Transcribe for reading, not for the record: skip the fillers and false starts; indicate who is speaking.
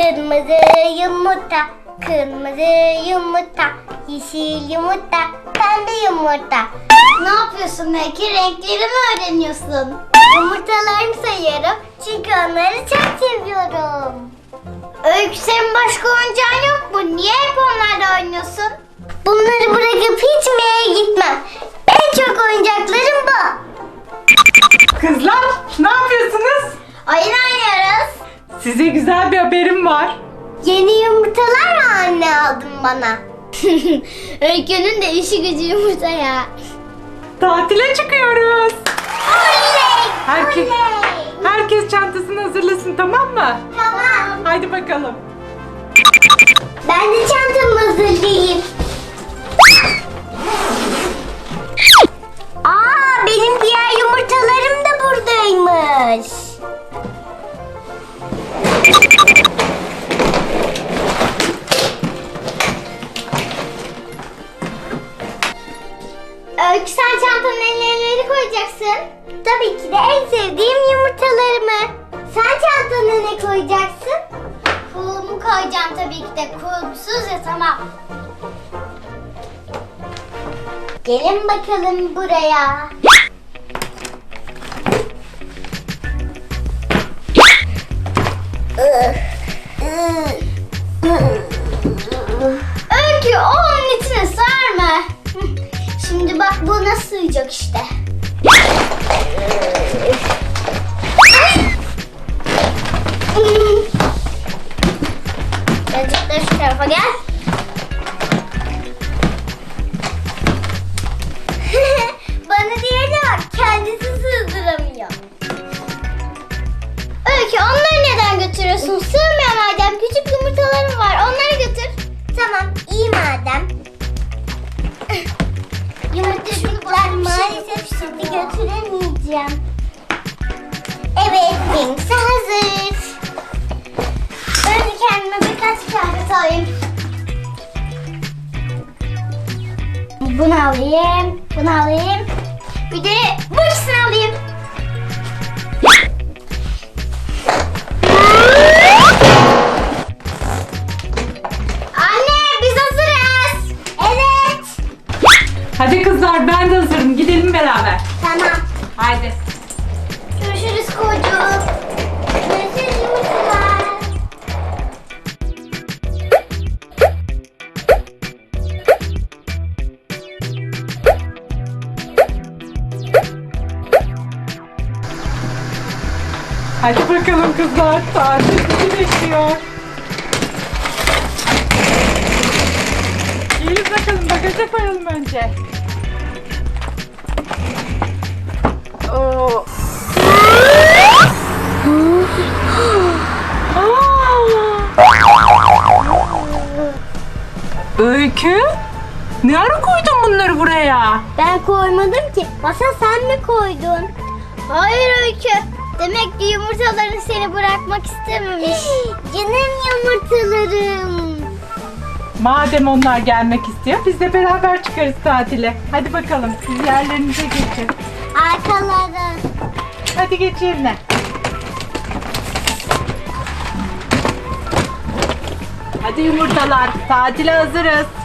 Speaker 1: Kırmızı yumurta, kırmızı yumurta, yeşil yumurta, pembe yumurta.
Speaker 2: Ne yapıyorsun belki? Renkleri mi öğreniyorsun?
Speaker 1: Yumurtalarımı sayıyorum çünkü onları çok seviyorum.
Speaker 2: Öykü, senin başka oyuncağın yok mu? Niye hep onlarla oynuyorsun?
Speaker 1: Bunları bırakıp hiçbir yere gitmem. En çok oyuncaklarım bu.
Speaker 3: Kızlar ne yapıyorsunuz?
Speaker 2: Oyun oynuyoruz.
Speaker 3: Size güzel bir haberim var.
Speaker 1: Yeni yumurtalar mı anne aldın bana?
Speaker 2: Öykü'nün de işi gücü yumurta ya.
Speaker 3: Tatile çıkıyoruz.
Speaker 1: Oley!
Speaker 3: Herkes,
Speaker 1: Oley!
Speaker 3: herkes çantasını hazırlasın, tamam mı?
Speaker 1: Tamam.
Speaker 3: Haydi bakalım.
Speaker 1: Ben de çantamı hazırlayayım. Aa, benim diğer yumurtalarım da buradaymış.
Speaker 2: Öykü, sen çantanın neleri koyacaksın?
Speaker 1: Tabii ki de en sevdiğim yumurtalarımı. Sen çantana ne koyacaksın?
Speaker 2: Kulumu koyacağım tabii ki de. Kulumsuz yatamam.
Speaker 1: Gelin bakalım buraya.
Speaker 2: Öykü, o onun içine sarma. Şimdi bak, bu nasıl sığacak işte.
Speaker 1: Birazcık da şu tarafa gel. Bana diğerine bak, kendisi sığdıramıyor.
Speaker 2: Öykü, onları neden götürüyorsun? Sığmıyor madem. Küçük yumurtalarım var. Onları götür.
Speaker 1: Tamam, iyi madem. Yumurtacıklar maalesef şimdi götüremeyeceğim. Evet, benimkisi hazır.
Speaker 2: Önce kendime birkaç kıyafet alayım.
Speaker 1: Bunu alayım, bunu alayım.
Speaker 2: Bir de bu ikisini alayım. Anne, biz hazırız.
Speaker 1: Evet.
Speaker 3: Hadi kızlar, ben de hazırım. Gidelim beraber.
Speaker 1: Tamam.
Speaker 3: Haydi.
Speaker 2: Görüşürüz kocuk.
Speaker 1: Görüşürüz yumurtalar.
Speaker 3: Hadi bakalım kızlar. Tatil bizi bekliyor. Gelin bakalım, bagaja koyalım önce. Oo. Öykü, ne ara koydun bunları buraya?
Speaker 1: Ben koymadım ki. Masa sen mi koydun?
Speaker 2: Hayır Öykü. Demek ki yumurtalarını seni bırakmak istememiş.
Speaker 1: Canım yumurtalarım.
Speaker 3: Madem onlar gelmek istiyor, biz de beraber çıkarız tatile. Hadi bakalım, siz yerlerinize geçin.
Speaker 1: Arkaları.
Speaker 3: Hadi geç yerine. Hadi yumurtalar, tatile hazırız.